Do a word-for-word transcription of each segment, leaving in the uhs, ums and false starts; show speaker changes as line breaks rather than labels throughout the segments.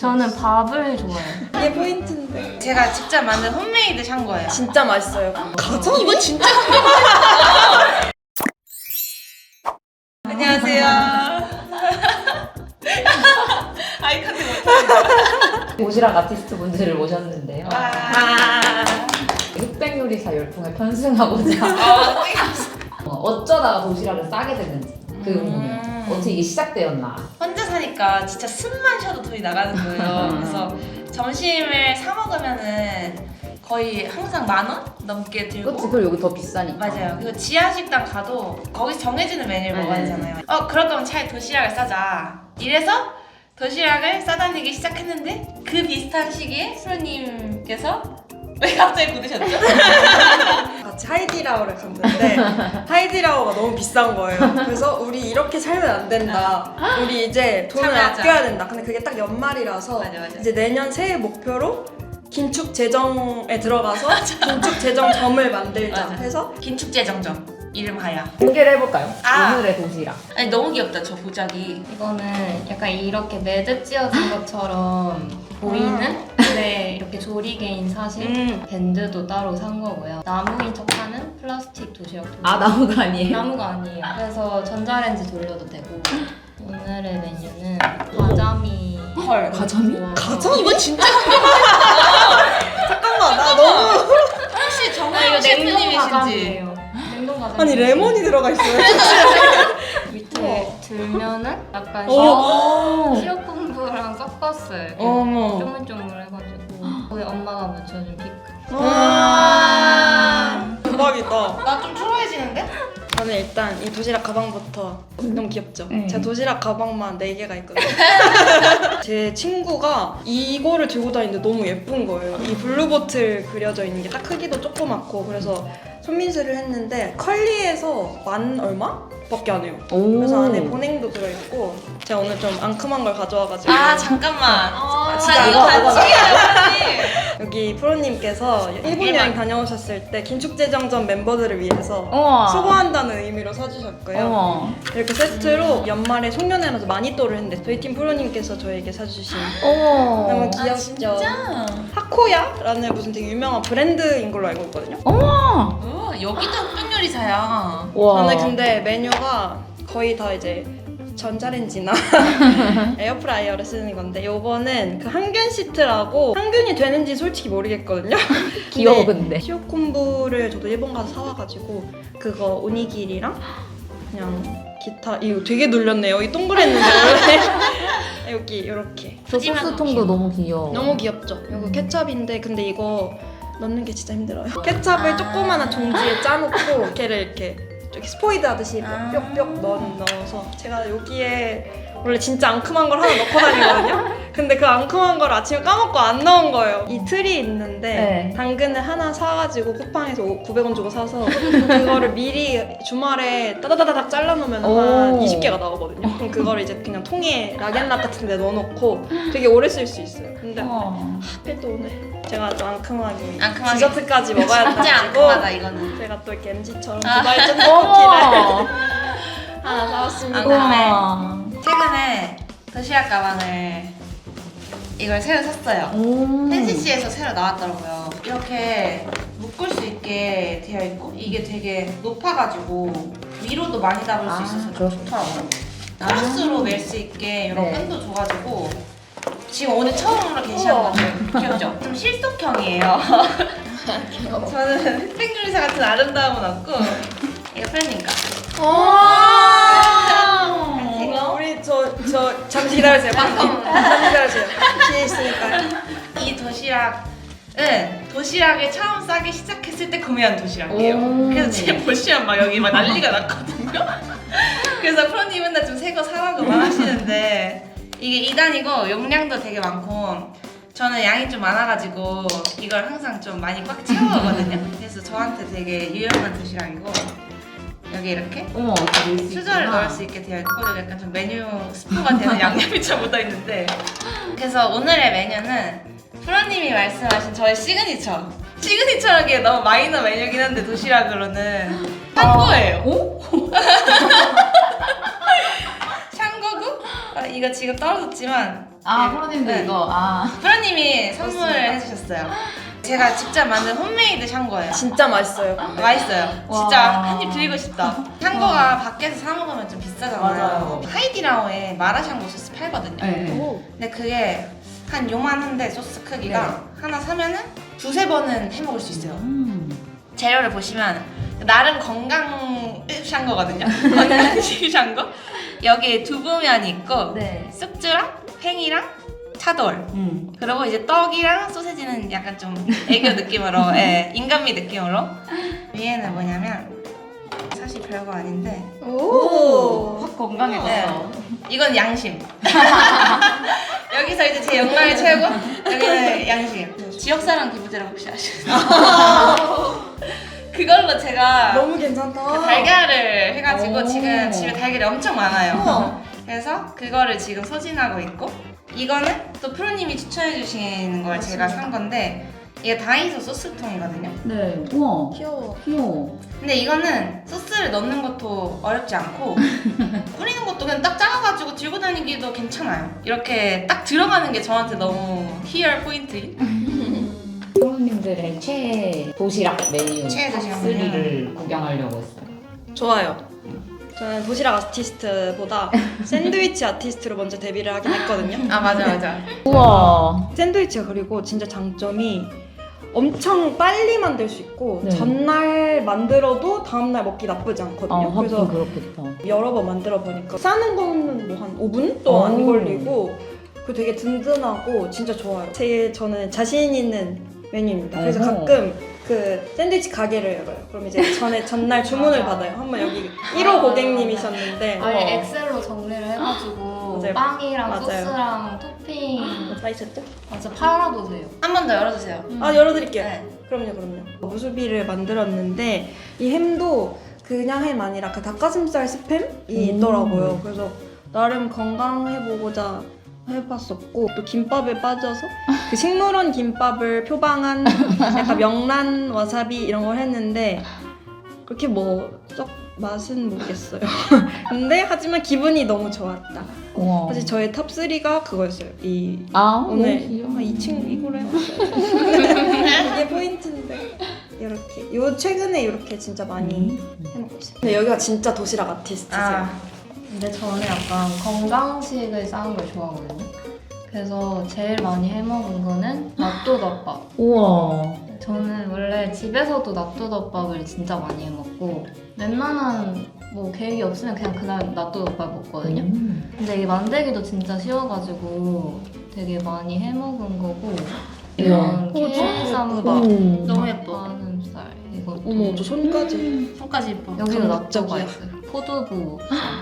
저는 밥을 좋아해요.
이게 포인트인데.
제가 직접 만든 홈메이드 샹궈예요.
진짜 맛있어요. 가자.
이거 진짜 안녕하세요. 아이 컨택 못하는데.
도시락 아티스트 분들을 모셨는데요.
와.
흑백 요리사 열풍에 편승하고자 어, 어쩌다가 도시락을 싸게 됐는지 그게 궁금해요.
음.
어떻게 이게 시작되었나?
혼자 사니까 진짜 숨만 쉬어도 돈이 나가는 거예요. 그래서 점심을 사 먹으면은 거의 항상 만 원 넘게 들고.
그치, 그리고 여기 더 비싸니까.
맞아요. 그리고 지하 식당 가도 거기서 정해지는 메뉴를
네.
먹어야 되잖아요. 어 그럴 거면 차라리 도시락을 싸자. 이래서 도시락을 싸다니기 시작했는데 그 비슷한 시기에 프로님께서 왜 갑자기 굳으셨죠?
같이 하이디라오를 갔는데 하이디라오가 너무 비싼 거예요. 그래서 우리 이렇게 살면 안 된다. 우리 이제 돈을
참여하자.
아껴야 된다. 근데 그게 딱 연말이라서
맞아, 맞아.
이제 내년 새해 목표로 긴축 재정에 들어가서 긴축 재정점을 만들자
맞아.
해서
긴축재정점 이름하여.
공개를 해볼까요?
아.
오늘의 도시락.
아니 너무 귀엽다 저 보자기.
이거는 약간 이렇게 매듭 지어진 것처럼 보이는 근데 이렇게 조리개인 사실
음.
밴드도 따로 산 거고요. 나무인 척하는 플라스틱 도시락 도시락.
아, 나무가 아니에요?
나무가 아니에요. 그래서 전자레인지 돌려도 되고. 오늘의 메뉴는 가자미.
헐.
가자미?
가자미?
이거 진짜
잠깐만 나 너무
혹시
아,
정말
이거 냉동
셰프님이신지.
가자미예요. 냉동 가자미.
아니 레몬이 들어가 있어요.
밑에 들면은 약간
오.
시럽 공부랑 섞었어요. 이렇게
어머.
쪼물쪼물해가지고 거기 엄마가 묻혀준 피클.
와 대박이다.
나 좀 초라해지는데?
저는 일단 이 도시락 가방부터 너무 귀엽죠?
네.
제가 도시락 가방만 네 개가 있거든요. 제 친구가 이거를 들고 다니는데 너무 예쁜 거예요. 이 블루보틀 그려져 있는 게 딱 크기도 조그맣고 그래서 손민수를 했는데 컬리에서 만 얼마? 밖에 안 해요.
오.
그래서 안에 보냉도 들어있고 제가 오늘 좀 앙큼한 걸 가져와가지고
아 잠깐만.
아,
자 이거
이거,
같이
이거.
해야지.
여기 프로님께서 일본
일반.
여행 다녀오셨을 때 긴축재정전 멤버들을 위해서
우와.
수고한다는 의미로 사주셨고요.
어머.
이렇게 세트로 연말에 송년회라서 마니또를 했는데 저희 팀 프로님께서 저에게 사주신
어머.
너무
아
귀엽죠?
진짜?
하코야라는 무슨 되게 유명한 브랜드인 걸로 알고 있거든요.
어머.
어, 여기도 흑백 요리사야.
와.
저는 근데 메뉴가 거의 다 이제 전자레인지나 에어프라이어를 쓰는 건데 요거는 그 항균 시트라고 항균이 되는지 솔직히 모르겠거든요.
귀여워, 근데.
시오콤부를 저도 일본 가서 사와가지고 그거 오니기리랑 그냥 기타 이거 되게 눌렸네요. 이 동그랬는데 원래 여기 이렇게
저 소스통도 너무 귀여워.
너무 귀엽죠? 이거 케찹인데 근데 이거 넣는 게 진짜 힘들어요. 케찹을
아.
조그마한 종지에 짜놓고 걔를 이렇게 이렇게 스포이드 하듯이
아.
뾱뾱 넣, 넣어서 제가 여기에 원래 진짜 앙큼한 걸 하나 넣고 다니거든요? 근데 그 앙큼한 걸 아침에 까먹고 안 넣은 거예요. 이 틀이 있는데
네.
당근을 하나 사가지고 쿠팡에서 구백 원 주고 사서 그거를 미리 주말에 따다다닥 잘라놓으면 한
오.
이십 개가 나오거든요. 그럼 그거를 이제 그냥 통에 락앤락 같은 데 넣어놓고 되게 오래 쓸 수 있어요. 근데
어.
하필 또 오늘 제가 또 앙큼하게,
앙큼하게.
디저트까지 먹어야
진짜
돼가지고
앙큼하다 이거는.
제가 또 이렇게 엠지처럼
아.
두바이 쫀득 쿠키를
어머.
하나 사왔습니다.
앙큼해.
우와.
최근에 도시락 가방을 이걸 새로 샀어요.
오.
펜시씨에서 새로 나왔더라고요. 이렇게 묶을 수 있게 되어 있고 이게 되게 높아가지고 위로도 많이 담을 수
아,
있어서 좀
그렇구나.
좋더라고요. 크로스로 멜 수 있게 이런
네.
끈도 줘가지고 지금 오늘 처음으로 게시한
우와.
거죠. 귀엽죠? 좀 실속형이에요. 저는 흑백 요리사 같은 아름다움은 없고 이거 프렌님 거.
우리 저, 저 잠시 기다려주세요. 방금 잠시 기다려주세요. 뒤에 있으니까요.
이 도시락은 도시락을 처음 싸기 시작했을 때 구매한 도시락이에요.
오.
그래서 지금 보시면 막 여기 막 난리가 났거든요. 그래서 프로님 맨날 좀 새 거 사라고 막 하시는데 이게 이 단이고 용량도 되게 많고 저는 양이 좀 많아가지고 이걸 항상 좀 많이 꽉 채워가거든요. 그래서 저한테 되게 유용한 도시락이고 여기 이렇게
어머, 어떻게 넣을 수
수저를
있구나.
넣을 수 있게 되어 있고 여기 약간 좀 메뉴 스포가 되는 양념이 좀 묻어있는데 그래서 오늘의 메뉴는 프로님이 말씀하신 저의 시그니처 시그니처라기에 너무 마이너 메뉴긴 한데 도시락으로는 샹궈예요.
오?
샹궈고 아, 이거 지금 떨어졌지만
아 프로님도
네.
이거 아
프로님이 선물해 주셨어요. 제가 직접 만든 홈메이드 샹궈예요.
진짜 맛있어요.
맛있어요.
와.
진짜 한 입 들고 싶다. 샹궈가 밖에서 사 먹으면 좀 비싸잖아요.
맞아요.
하이디라오에 마라샹궈 소스 팔거든요.
네.
오.
근데 그게 한 요만한데 소스 크기가 하나 사면은 두세 번은 해 먹을 수 있어요.
음.
재료를 보시면 나름 건강 샹궈거든요. 건강식 샹궈. 여기에 두부면이 있고
네.
쑥주랑 팽이랑 차돌.
음.
그리고 이제 떡이랑 소세지는 약간 좀 애교 느낌으로, 예, 인간미 느낌으로. 위에는 뭐냐면 사실 별거 아닌데
오.
확 건강해졌어.
네. 이건 양심. 여기서 이제 제 영광의 최고. 여기는 양심. 지역사랑 기부제라고 혹시 아시나요? 그걸로 제가
너무 괜찮다.
그 달걀을 해가지고
오.
지금 집에 달걀이 엄청 많아요.
우와.
그래서 그거를 지금 소진하고 있고, 이거는 또 프로님이 추천해 주시는 걸 제가 산 건데 이게 다이소 소스통이거든요.
네. 우와.
귀여워.
귀여워.
근데 이거는 소스를 넣는 것도 어렵지 않고 뿌리는 것도 그냥 딱 작아가지고 들고 다니기도 괜찮아요. 이렇게 딱 들어가는 게 저한테 너무 희열 포인트인.
프로님들의 최애 도시락 메뉴
최애 도시락
탑쓰리를 구경하려고 했어요.
좋아요. 저는 도시락 아티스트보다 샌드위치 아티스트로 먼저 데뷔를 하긴 했거든요.
아 맞아 맞아.
우와.
샌드위치가 그리고 진짜 장점이 엄청 빨리 만들 수 있고
네.
전날 만들어도 다음날 먹기 나쁘지
아,
않거든요.
하긴
그래서
그렇겠다.
여러 번 만들어 보니까 싸는 거는 뭐 한 오 분도 안
오.
걸리고 그 되게 든든하고 진짜 좋아요. 제일 저는 자신 있는 메뉴입니다. 그래서
어허.
가끔 그 샌드위치 가게를 열어요. 그럼 이제 전에 전날 주문을
맞아.
받아요. 한번 여기 일 호 고객님이셨는데
아예 엑셀로 정리를 해가지고
맞아요.
빵이랑
맞아요.
소스랑 토핑
다 있었죠?
맞아 팔아보세요.
한 번 더 열어주세요.
아 열어드릴게요.
네.
그럼요, 그럼요. 무수비를 만들었는데 이 햄도 그냥 햄 아니라 그 닭가슴살 스팸이
음.
있더라고요. 그래서 나름 건강해보고자 해봤었고 또 김밥에 빠져서 그 식물원 김밥을 표방한 약간 명란 와사비 이런 걸 했는데 그렇게 뭐 썩 맛은 모르겠어요. 근데 하지만 기분이 너무 좋았다.
우와.
사실 저의 탑쓰리가 그거였어요. 이
아
오늘
너무 귀여워.
아, 이 친구 이거를 해봤어요. 이게 포인트인데 이렇게 요 최근에 이렇게 진짜 많이 해먹고 있어요. 근데 여기가 진짜 도시락 아티스트세요.
아,
근데 저는 약간 건강식을 싸는 걸 좋아하거든요. 그래서 제일 많이 해먹은 거는 낫또덮밥.
우와.
저는 원래 집에서도 낫또덮밥을 진짜 많이 해먹고 웬만한 뭐 계획이 없으면 그냥 그날 낫또덮밥 먹거든요.
음.
근데 이게 만들기도 진짜 쉬워가지고 되게 많이 해먹은 거고
이야.
이런
어,
게쌈밥,
음.
너무 예뻐.
가슴살 이것도
어머 저 손까지
손까지 예뻐.
여기도 낫또가
감각적이야.
있어요. 포두부.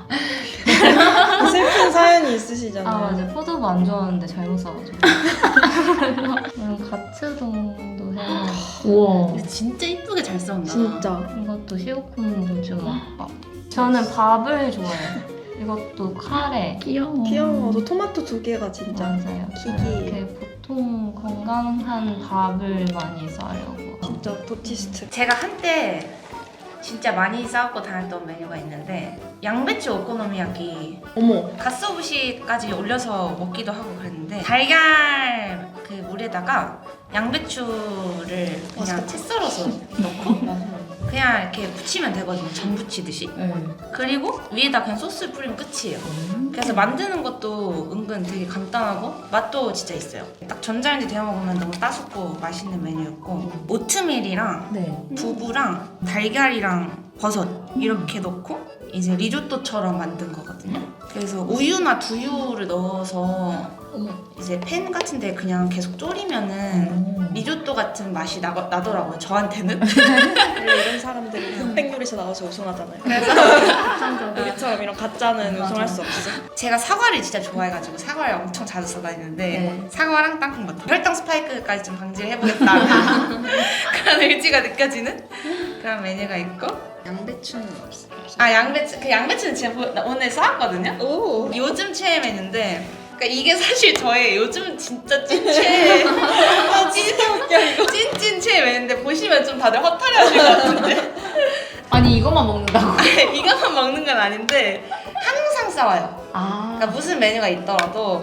슬픈 사연이 있으시잖아요.
아 맞아 포도부 안 좋아하는데 잘못 사가지고 그리고 가츠동도 해먹고
우와.
근데 진짜 이쁘게 잘 싸운다.
진짜.
이것도 시오쿠 무주먹밥. 저는 밥을 좋아해요. 이것도 카레.
귀여워.
귀여워. 저 토마토 두 개가 진짜.
맞아요.
키기.
이렇게 보통 건강한 밥을 많이 싸려고.
진짜 도티스트.
제가 한때 진짜 많이 싸웠고 다녔던 메뉴가 있는데 양배추 오코노미야키
어머.
갓소부시까지 올려서 먹기도 하고 그랬는데 달걀 그 물에다가 양배추를 그냥 채 썰어서 넣고 그냥 이렇게 부치면 되거든요. 전 부치듯이.
네.
그리고 위에다 그냥 소스 뿌리면 끝이에요.
음.
그래서 만드는 것도 은근 되게 간단하고 맛도 진짜 있어요. 딱 전자레인지 데워 먹으면 너무 따숩고 맛있는 메뉴였고 오트밀이랑
네.
두부랑 달걀이랑 버섯 이렇게 넣고 이제 리조또처럼 만든 거거든요. 그래서 우유나 두유를 넣어서 이제 팬 같은데 그냥 계속 졸이면은
음.
리조또 같은 맛이 나, 나더라고요. 저한테는.
원래 이런 사람들이 흑백 요리사 나와서 우승하잖아요.
그래서
우리처럼 이런 가짜는
맞아.
우승할 수 없어.
제가 사과를 진짜 좋아해가지고 사과를 엄청 자주 써다니는데
네.
사과랑 땅콩버터 혈당 스파이크까지 좀 방지를 해보겠다 그런 의지가 느껴지는 그런 메뉴가 있고
양배추는 없어요.
아 양배추 그 양배추는 제가 보- 나 오늘 써왔거든요.
오.
요즘 최애 메뉴인데 그러니까 이게 사실 저의 요즘 진짜 찐 최애 찐, 찐찐 최애 메뉴인데 보시면 좀 다들 허탈해하실 것 같은데
아니 이것만 먹는다고?
이것만 먹는 건 아닌데 항상 싸워요.
아.
그러니까 무슨 메뉴가 있더라도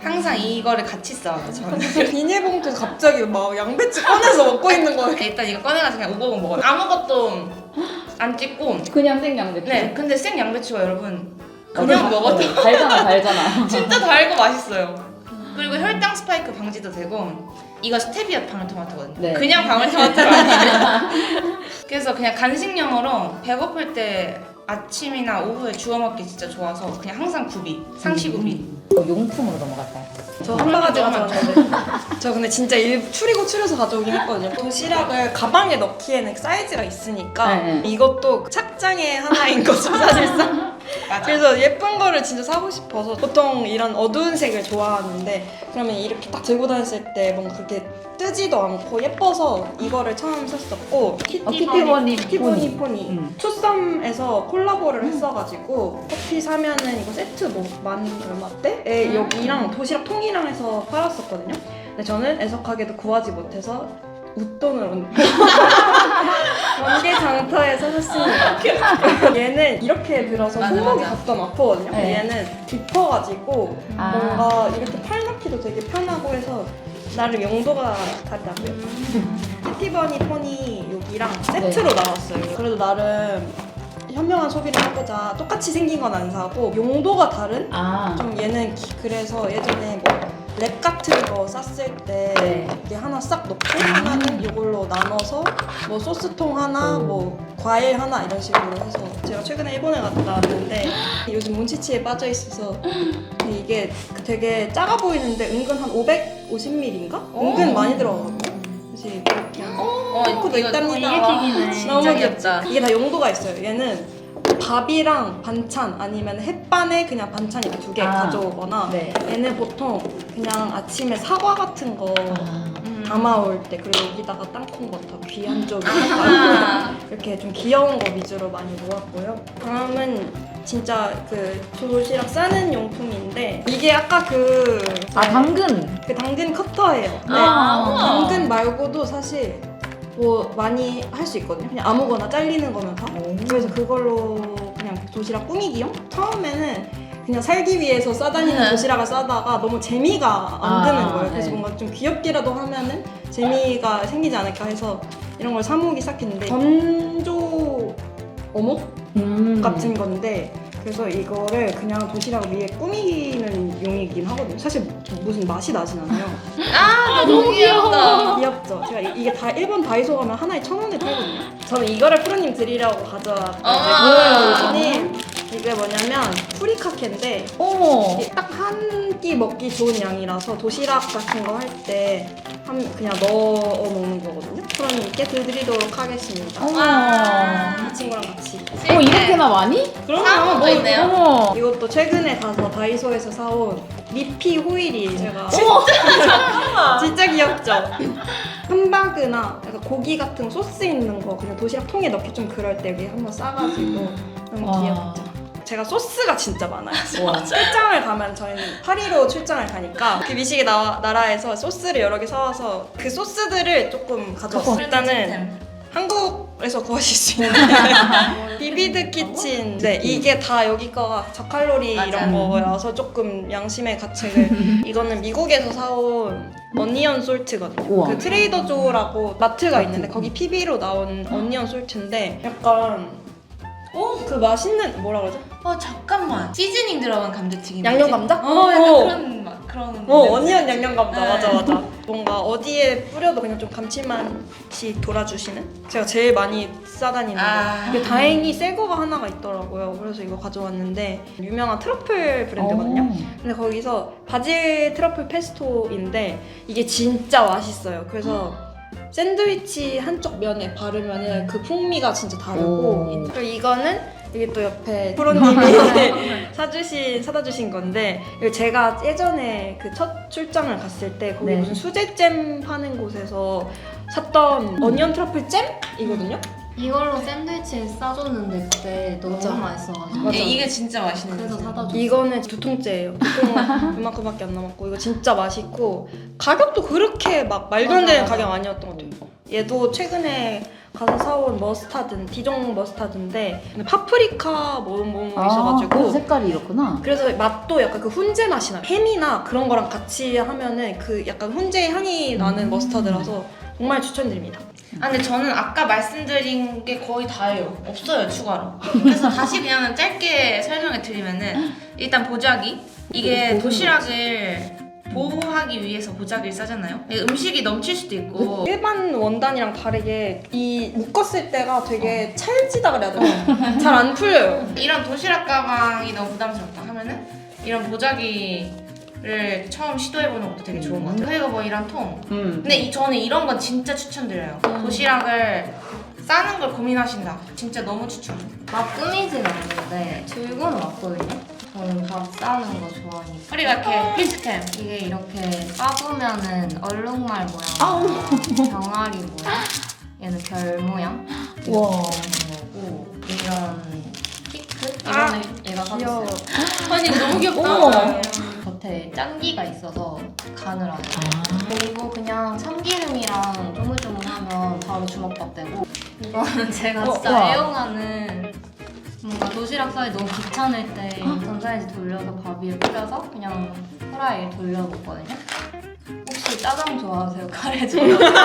항상 이거를 같이 써요. 저는.
비닐봉투에서 갑자기 막 양배추 꺼내서 먹고 있는 거예요.
일단 이거 꺼내가지고 그냥 오버고 먹어요. 아무것도 안 찍고.
그냥 생양배추.
네, 근데 생 양배추가 여러분 그냥
맞아.
먹어도
어, 달잖아, 달잖아.
진짜 달고 맛있어요. 그리고 혈당 스파이크 방지도 되고 이거 스테비아 방울토마토거든요.
네.
그냥 방울토마토가 아니에요. 그래서 그냥 간식용으로 배고플 때 아침이나 오후에 주워 먹기 진짜 좋아서 그냥 항상 구비, 상시 구비.
어, 용품으로 넘어갈까요?
저 한 바가지 가져왔는데 저 근데 진짜 일 추리고 추려서 가져오긴 했거든요. 도시락을 가방에 넣기에는 사이즈가 있으니까
네, 네.
이것도 착장의 하나인 거죠 사실상.
맞아.
그래서 예쁜 거를 진짜 사고 싶어서 보통 이런 어두운 색을 좋아하는데 그러면 이렇게 딱 들고 다녔을 때 뭔가 그렇게 뜨지도 않고 예뻐서 이거를 처음 샀었고
어, 키티버니
키티버니 포니
음.
투썸에서 콜라보를 했어가지고 커피 사면은 이거 세트 뭐 만 얼마대에 여기랑 도시락 통이랑 해서 팔았었거든요. 근데 저는 애석하게도 구하지 못해서 웃돈을 원개 장터에서 샀습니다. 얘는 이렇게 들어서
맞아,
손목이
맞아.
가끔 아프거든요.
네.
얘는 깊어가지고
아.
뭔가 이렇게 팔 넣기도 되게 편하고 해서 나름 용도가 다르다고요. 해피버니 포니 여기랑 세트로
네.
나왔어요. 그래도 나름 현명한 소비를 해보자. 똑같이 생긴 건 안 사고 용도가 다른?
아.
좀 얘는 기- 그래서 예전에 뭐 랩 같은 거 쌌을 때
네.
이게 하나 싹 넣고 하나는 이걸로 나눠서 뭐 소스통 하나,
음.
뭐 과일 하나 이런 식으로 해서 제가 최근에 일본에 갔다 왔는데 요즘 몬치치에 빠져 있어서 근데 이게 되게 작아 보이는데 은근 한 오백오십 밀리리터인가? 은근
오.
많이 들어가거든요. 그래서 이렇게
어,
포크도
이거
있답니다.
이게 킥이네.
진짜
너무
귀엽다.
이게 다 용도가 있어요. 얘는 밥이랑 반찬 아니면 햇반에 그냥 반찬 이렇게 두 개
아.
가져오거나
네.
얘는 보통 그냥 아침에 사과 같은 거
아.
음.
담아올 때 그리고 여기다가 땅콩버터 귀 한쪽에
아.
이렇게 좀 귀여운 거 위주로 많이 모았고요. 다음은 진짜 그 도시락 싸는 용품인데 이게 아까 그,
아, 당근.
그 당근 커터예요. 네.
아, 우와.
당근 말고도 사실 뭐 많이 할 수 있거든요. 그냥 아무거나 잘리는 거면 다.
오.
그래서 그걸로 그냥 도시락 꾸미기용? 처음에는 그냥 살기 위해서 싸다니는
네.
도시락을 싸다가 너무 재미가 안
아,
드는 거예요. 그래서
네.
뭔가 좀 귀엽게라도 하면은 재미가 생기지 않을까 해서 이런 걸 사모으기 시작했는데 건조 어묵
음.
같은 건데 그래서 이거를 그냥 도시락 위에 꾸미는 용이긴 하거든요. 사실 무슨 맛이 나진 않아요.
아, 너무 귀엽다.
귀엽죠? 제가 이- 이게 다 일본 다이소 가면 하나에 천 원에 팔거든요. 저는 이거를 프로님 드리려고 가져왔거든요.
아.
프로님 이게 뭐냐면 프리카케인데
어머.
이게 딱 한 끼 먹기 좋은 양이라서 도시락 같은 거 할 때 그냥 넣어 먹는 거거든요. 프로님께 드리도록 하겠습니다.
어머.
이 친구랑 같이.
어, 이렇게나 많이?
사온 거 있네요.
어머.
이것도 최근에 가서 다이소에서 사온 미피 호일이 제가 진짜 귀엽죠? 함바그나 약간 고기 같은 소스 있는 거 그냥 도시락 통에 넣기 좀 그럴 때 위에 한번 싸가지고 너무
와.
귀엽죠? 제가 소스가 진짜 많아요.
와.
출장을 가면 저희는 파리로 출장을 가니까 그 미식의 나, 나라에서 소스를 여러 개 사와서 그 소스들을 조금 가져왔어요. 일단은 한국에서 구하실 수 있는 비비드 키친. 네, 이게 다 여기 거가 저칼로리
맞아.
이런 거여서 조금 양심의 가책을. 이거는 미국에서 사온 어니언 솔트거든요.
우와.
그 트레이더 조라고 마트가 있는데 거기 피비로 나온 어니언 솔트인데 약간 어? 그 맛있는 뭐라 그러죠?
어, 잠깐만. 시즈닝 들어간 감자튀김.
양념 감자?
어, 약간
어.
그런 맛, 그런.
어,
냄새.
어니언 양념 감자.
네.
맞아, 맞아. 뭔가 어디에 뿌려도 그냥 좀 감칠맛이 돌아주시는? 제가 제일 많이 싸다니는
아.
거. 근데 다행히 새 거가 하나가 있더라고요. 그래서 이거 가져왔는데 유명한 트러플 브랜드거든요.
어.
근데 거기서 바질 트러플 페스토인데 이게 진짜 맛있어요. 그래서 샌드위치 한쪽 면에 바르면 그 풍미가 진짜 다르고
오.
그리고 이거는 이게 또 옆에 프로님이 사주신 사다 주신 건데 이거 제가 예전에 그 첫 출장을 갔을 때 거기
네.
무슨 수제잼 파는 곳에서 샀던 어니언 트러플 잼이거든요.
이걸로 샌드위치 싸줬는데 그때 너무
맞아.
맛있어가지고
맞아.
예, 이게 진짜 맛있는
그래서
거지.
사다 줬어.
이거는 두 통째예요. 보통 이만큼밖에 안 남았고 이거 진짜 맛있고 가격도 그렇게 막 말도 안
맞아,
되는
맞아.
가격 아니었던 것 같아요. 얘도 최근에 가서 사온 머스타드, 디종 머스타드인데 파프리카 뭐 뭐
아,
있어가지고
그래서 색깔이 이렇구나.
그래서 맛도 약간 그 훈제 맛이 나요. 햄이나 그런 거랑 같이 하면은 그 약간 훈제 향이 나는
음.
머스타드라서 정말 추천드립니다.
아 근데 저는 아까 말씀드린 게 거의 다예요. 없어요 추가로. 그래서 다시 그냥 짧게 설명을 드리면은 일단 보자기 이게 도시락을 보호하기 위해서 보자기를 싸잖아요. 음식이 넘칠 수도 있고
일반 원단이랑 다르게 이 묶었을 때가 되게 찰지다 그래야 되나? 잘 안 풀려요.
이런 도시락 가방이 너무 부담스럽다 하면은 이런 보자기를 처음 시도해보는 것도 되게 좋은 것 같아요. 그리고 뭐 이런 통.
음.
근데 이, 저는 이런 건 진짜 추천드려요.
음.
도시락을 싸는 걸 고민하신다. 진짜 너무 추천.
막 꾸미진 않는데 들고는 왔거든요. 저는 밥 싸는 거 좋아하니까.
그리고 이렇게 필수템.
이게 이렇게 까보면은 얼룩말
아우.
모양, 병아리 모양, 얘는 별 모양 이렇게
우와.
되는 거고 이런 피크
아,
이거는 얘가
귀여워.
사줬어요.
아니 이거 너무 귀엽다.
어머.
겉에 짠기가 있어서 간을 안 해요.
아.
그리고 그냥 참기름이랑 조물조물하면 바로 주먹밥 되고 이거는 제가
어,
진짜
우와.
애용하는 뭔가 도시락 싸기 너무 귀찮을 때 전자레인지 돌려서 밥 위에 뿌려서 그냥 후라이에 돌려먹거든요. 혹시 짜장 좋아하세요? 카레 좋아하세요?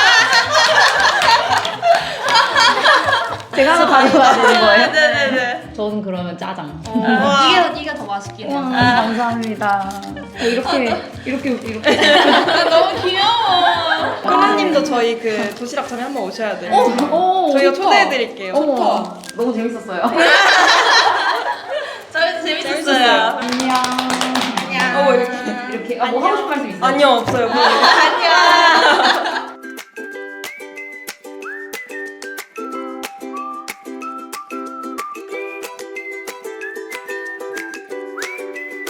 제가 하나 가져가야 되는 거예요?
네네네.
저는 그러면 짜장.
우와.
이게, 이게 더 맛있긴
와,
해요.
감사합니다. 이렇게 이렇게 이렇게.
너무 귀여워.
코라님도 저희 그 도시락 전에 한번 오셔야 돼요.
오,
저희가
좋다.
초대해드릴게요.
어머, 너무 재밌었어요.
저희도 재밌었어요.
재밌었어요.
안녕.
안녕.
어, 이렇게.
이렇게 아, 뭐 하고 싶은 말씀 있어요?
아니요, 없어요.
안녕.